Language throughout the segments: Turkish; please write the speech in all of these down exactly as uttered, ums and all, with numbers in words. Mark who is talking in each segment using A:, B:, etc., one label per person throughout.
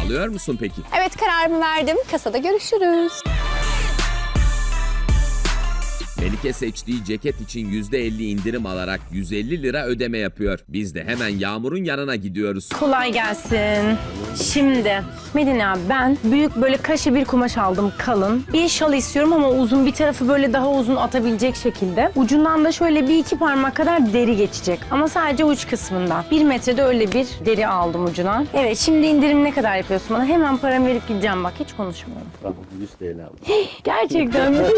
A: Alıyor musun peki?
B: Evet, kararımı verdim. Kasada görüşürüz.
A: Melike seçtiği ceket için yüzde elli indirim alarak yüz elli lira ödeme yapıyor. Biz de hemen Yağmur'un yanına gidiyoruz.
C: Kolay gelsin. Şimdi Medine abi, ben büyük böyle kaşı bir kumaş aldım, kalın. Bir şal istiyorum ama uzun, bir tarafı böyle daha uzun atabilecek şekilde. Ucundan da şöyle bir iki parmak kadar deri geçecek. Ama sadece uç kısmından. Bir metrede öyle bir deri aldım ucuna. Evet, şimdi indirim ne kadar yapıyorsun bana? Hemen paramı verip gideceğim, bak hiç konuşmuyorum.
D: Tamam, yüz T L aldım.
C: Gerçekten mi?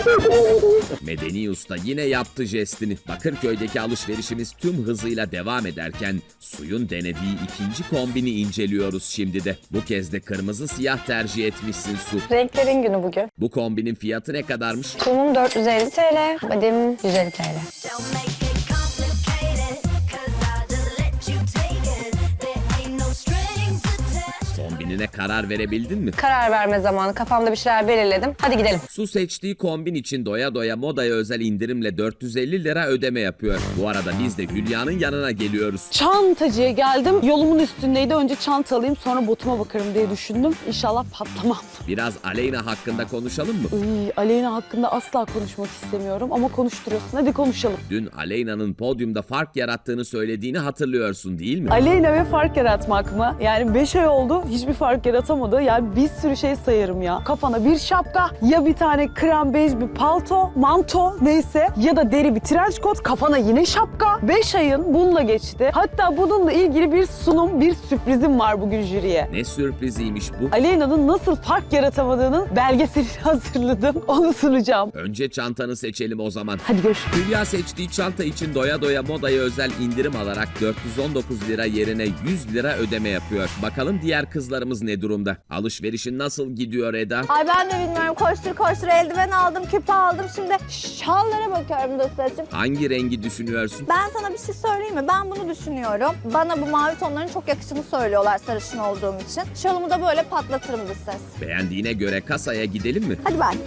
A: Medeni Usta yine yaptı jestini. Bakırköy'deki alışverişimiz tüm hızıyla devam ederken Suyun denediği ikinci kombini inceliyoruz şimdi de. Bu kez de kırmızı siyah tercih etmişsin Su.
B: Renklerin günü bugün.
A: Bu kombinin fiyatı ne kadarmış?
B: Sunum dört yüz elli T L, badim yüz elli T L.
E: Don't make it complicated, 'cause I'll just let you take it. There ain't no strings attached.
A: Kombinine karar verebildin mi?
B: Karar verme zamanı. Kafamda bir şeyler belirledim. Hadi gidelim.
A: Su seçtiği kombin için doya doya modaya özel indirimle dört yüz elli lira ödeme yapıyor. Bu arada biz de Hülya'nın yanına geliyoruz.
F: Çantacıya geldim. Yolumun üstündeydi. Önce çanta alayım, sonra botuma bakarım diye düşündüm. İnşallah patlamam.
A: Biraz Aleyna hakkında konuşalım mı?
F: Iy, Aleyna hakkında asla konuşmak istemiyorum ama konuşturuyorsun. Hadi konuşalım.
A: Dün Aleyna'nın podyumda fark yarattığını söylediğini hatırlıyorsun değil mi?
F: Aleyna ve fark yaratmak mı? Yani beş ay oldu, hiçbir fark yaratamadı. Yani bir sürü şey sayarım ya. Kafana bir şapka, ya bir tane krem bej bir palto, manto neyse, ya da deri bir trench coat, kafana yine şapka. beş ayın bununla geçti. Hatta bununla ilgili bir sunum, bir sürprizim var bugün jüriye.
A: Ne sürpriziymiş bu?
F: Aleyna'nın nasıl fark yaratamadığının belgeselini hazırladım. Onu sunacağım.
A: Önce çantanı seçelim o zaman.
F: Hadi görüşürüz.
A: Hülya seçtiği çanta için doya doya modaya özel indirim alarak dört yüz on dokuz lira yerine yüz lira ödeme yapıyor. Bakalım diğer kızlarımız ne durumda? Alışverişin nasıl gidiyor Eda?
G: Ay ben de bilmiyorum. Koştur koştur eldiven aldım, küpe aldım. Şimdi şallara bakıyorum da saçım.
A: Hangi rengi düşünüyorsun?
G: Ben sana bir şey söyleyeyim mi? Ben bunu düşünüyorum. Bana bu mavi tonların çok yakışını söylüyorlar sarışın olduğum için. Şalımı da böyle patlatırım bir ses.
A: Beğendiğine göre kasaya gidelim mi?
G: Hadi ben.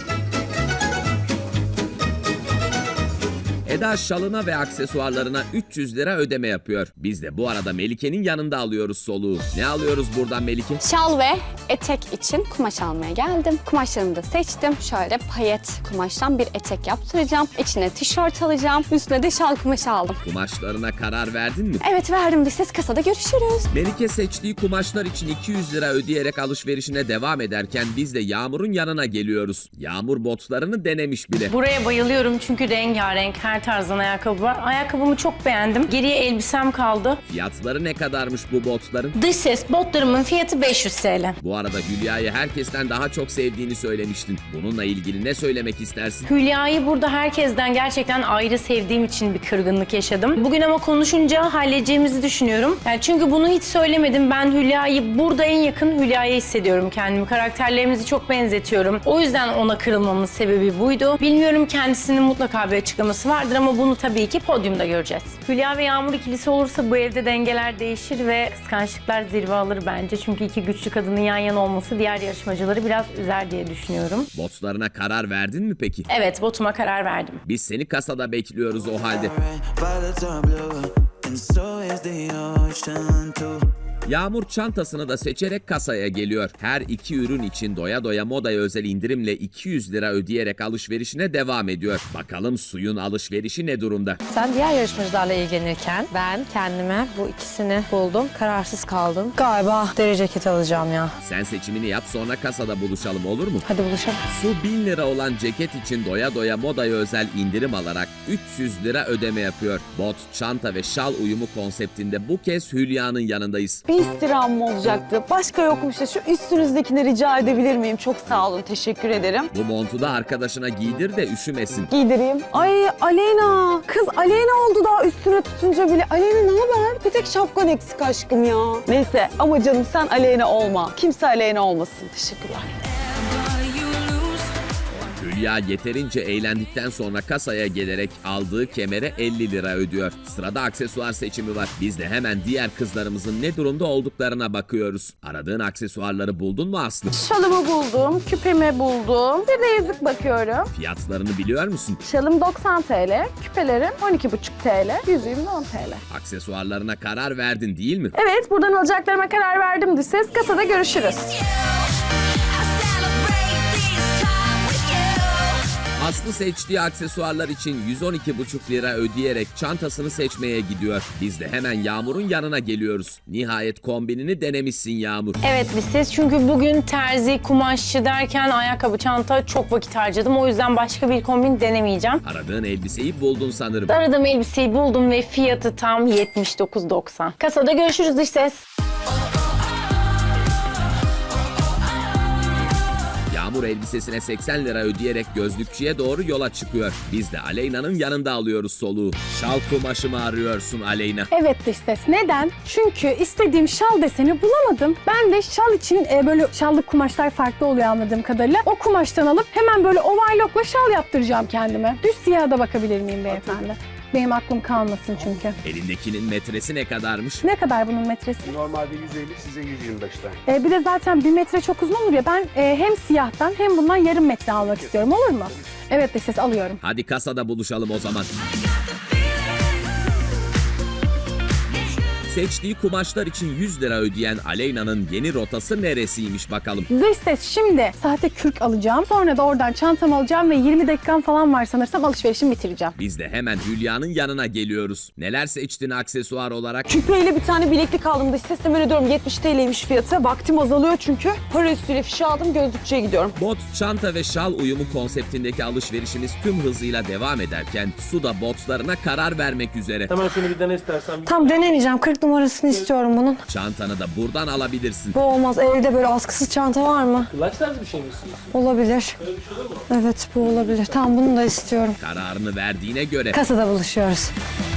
A: Eda şalına ve aksesuarlarına üç yüz lira ödeme yapıyor. Biz de bu arada Melike'nin yanında alıyoruz soluğu. Ne alıyoruz buradan Melike?
B: Şal ve etek için kumaş almaya geldim. Kumaşlarımı da seçtim. Şöyle payet kumaştan bir etek yaptıracağım. İçine tişört alacağım. Üstüne de şal kumaşı aldım.
A: Kumaşlarına karar verdin mi?
B: Evet verdim. Bir ses kasada görüşürüz.
A: Melike seçtiği kumaşlar için iki yüz lira ödeyerek alışverişine devam ederken biz de Yağmur'un yanına geliyoruz. Yağmur botlarını denemiş bile.
C: Buraya bayılıyorum çünkü rengarenk, her tarzdan ayakkabı var. Ayakkabımı çok beğendim. Geriye elbisem kaldı.
A: Fiyatları ne kadarmış bu botların?
C: Dış ses botlarımın fiyatı beş yüz T L.
A: Bu arada Hülya'yı herkesten daha çok sevdiğini söylemiştin. Bununla ilgili ne söylemek istersin?
C: Hülya'yı burada herkesten gerçekten ayrı sevdiğim için bir kırgınlık yaşadım. Bugün ama konuşunca halledeceğimizi düşünüyorum. Yani çünkü bunu hiç söylemedim. Ben Hülya'yı burada en yakın Hülya'ya hissediyorum kendimi. Karakterlerimizi çok benzetiyorum. O yüzden ona kırılmamın sebebi buydu. Bilmiyorum, kendisinin mutlaka bir açıklaması vardır ama bunu tabii ki podyumda göreceğiz. Hülya ve Yağmur ikilisi olursa bu evde dengeler değişir ve kıskançlıklar zirve alır bence. Çünkü iki güçlü kadının yan yana olması diğer yarışmacıları biraz üzer diye düşünüyorum.
A: Botlarına karar verdin mi peki?
C: Evet, botuma karar verdim.
A: Biz seni kasada bekliyoruz o halde.
H: Violets are blue, and so is the ocean too.
A: Yağmur çantasını da seçerek kasaya geliyor. Her iki ürün için doya doya modaya özel indirimle iki yüz lira ödeyerek alışverişine devam ediyor. Bakalım Suyun alışverişi ne durumda?
I: Sen diğer yarışmacılarla ilgilenirken ben kendime bu ikisini buldum. Kararsız kaldım. Galiba deri ceket alacağım ya.
A: Sen seçimini yap, sonra kasada buluşalım, olur mu?
I: Hadi buluşalım.
A: Su bin lira olan ceket için doya doya modaya özel indirim alarak üç yüz lira ödeme yapıyor. Bot, çanta ve şal uyumu konseptinde bu kez Hülya'nın yanındayız.
F: Bir istirhamım olacaktı. Başka yokmuş da şu üstünüzdekini rica edebilir miyim? Çok sağ olun. Teşekkür ederim.
A: Bu montu da arkadaşına giydir de üşümesin.
F: Giydireyim. Ay Aleyna. Kız Aleyna oldu daha üstüne tutunca bile. Aleyna ne haber? Bir tek şapkan eksik aşkım ya. Neyse ama canım sen Aleyna olma. Kimse Aleyna olmasın. Teşekkürler.
A: Hülya yeterince eğlendikten sonra kasaya gelerek aldığı kemere elli lira ödüyor. Sırada aksesuar seçimi var. Biz de hemen diğer kızlarımızın ne durumda olduklarına bakıyoruz. Aradığın aksesuarları buldun mu Aslı?
F: Şalımı buldum, küpemi buldum. Bir de yüzük bakıyorum.
A: Fiyatlarını biliyor musun?
F: Şalım doksan TL, küpelerim on iki buçuk TL, yüzüğüm de on TL.
A: Aksesuarlarına karar verdin değil mi?
F: Evet, buradan alacaklarıma karar verdim dış ses. Kasada görüşürüz.
E: I celebrate this time with you.
A: Aslı seçtiği aksesuarlar için yüz on iki buçuk lira ödeyerek çantasını seçmeye gidiyor. Biz de hemen Yağmur'un yanına geliyoruz. Nihayet kombinini denemişsin Yağmur.
C: Evet biz siz çünkü bugün terzi, kumaşçı derken ayakkabı, çanta çok vakit harcadım. O yüzden başka bir kombin denemeyeceğim.
A: Aradığın elbiseyi buldun sanırım.
C: Aradığım elbiseyi buldum ve fiyatı tam yetmiş dokuz doksan. Kasada görüşürüz dış ses.
A: Yağmur elbisesine seksen lira ödeyerek gözlükçüye doğru yola çıkıyor. Biz de Aleyna'nın yanında alıyoruz soluğu. Şal kumaşı mı arıyorsun Aleyna?
D: Evet dış ses. Neden? Çünkü istediğim şal deseni bulamadım. Ben de şal için e, böyle şallık kumaşlar farklı oluyor anladığım kadarıyla. O kumaştan alıp hemen böyle overlockla şal yaptıracağım kendime. Düz siyaha da bakabilir miyim beyefendi? Benim aklım kalmasın çünkü.
A: Elindekinin metresi ne kadarmış?
D: Ne kadar bunun metresi?
J: Normalde yüz elli, size yüz yirmi beş tane.
D: E, bir de zaten bir metre çok uzun olur ya. Ben e, hem siyahtan hem bundan yarım metre almak istiyorum. Olur mu? Evet dış ses alıyorum.
A: Hadi kasada buluşalım o zaman. Seçtiği kumaşlar için yüz lira ödeyen Aleyna'nın yeni rotası neresiymiş bakalım.
D: Dış ses şimdi sahte kürk alacağım. Sonra da oradan çantamı alacağım ve yirmi dakikam falan var sanırsam alışverişimi bitireceğim.
A: Biz de hemen Hülya'nın yanına geliyoruz. Neler seçtin aksesuar olarak?
F: Küpeyle bir tane bileklik aldım dış ses. Hemen ödüyorum. yetmiş TL'ymiş fiyatı. Vaktim azalıyor çünkü. Para üstüyle fişi aldım. Gözlükçüye gidiyorum.
A: Bot, çanta ve şal uyumu konseptindeki alışverişimiz tüm hızıyla devam ederken Su da botlarına karar vermek üzere.
J: Hemen şunu bir dene istersen.
I: Tam denemeyeceğim. kırk numarasını istiyorum bunun.
A: Çantanı da buradan alabilirsin.
I: Bu olmaz. Elde böyle askısız çanta var mı?
J: Kulaç tarzı bir şey mi istiyorsun?
I: Olabilir. Evet bu olabilir. Tamam bunu da istiyorum.
A: Kararını verdiğine göre
I: Kasada buluşuyoruz.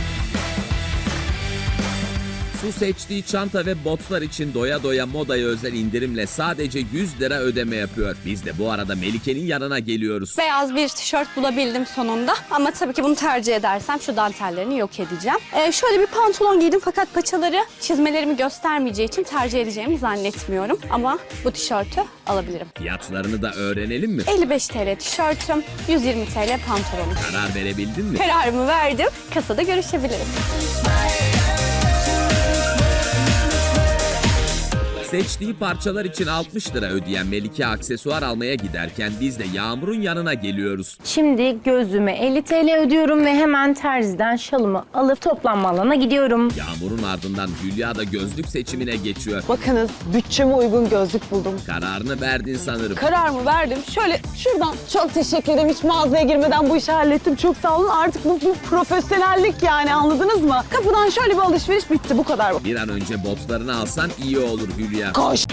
A: Su seçtiği çanta ve botlar için doya doya modaya özel indirimle sadece yüz lira ödeme yapıyor. Biz de bu arada Melike'nin yanına geliyoruz.
B: Beyaz bir tişört bulabildim sonunda. Ama tabii ki bunu tercih edersem şu dantellerini yok edeceğim. Ee, şöyle bir pantolon giydim fakat paçaları çizmelerimi göstermeyeceği için tercih edeceğimi zannetmiyorum. Ama bu tişörtü alabilirim.
A: Fiyatlarını da öğrenelim mi?
B: elli beş TL tişörtüm, yüz yirmi TL pantolonum.
A: Karar verebildin mi?
B: Kararımı verdim. Kasada görüşebiliriz.
A: Seçtiği parçalar için altmış lira ödeyen Melike aksesuar almaya giderken biz de Yağmur'un yanına geliyoruz.
C: Şimdi gözlüğüme elli TL ödüyorum ve hemen terziden şalımı alıp toplanma alanına gidiyorum.
A: Yağmur'un ardından Hülya da gözlük seçimine geçiyor.
F: Bakınız bütçeme uygun gözlük buldum.
A: Kararını verdin sanırım.
F: Kararımı verdim. Şöyle şuradan çok teşekkür ederim. Hiç mağazaya girmeden bu işi hallettim. Çok sağ olun. Artık bu, bu profesyonellik yani anladınız mı? Kapıdan şöyle bir alışveriş bitti. Bu kadar.
A: Bir an önce botlarını alsan iyi olur Hülya.
F: Koş.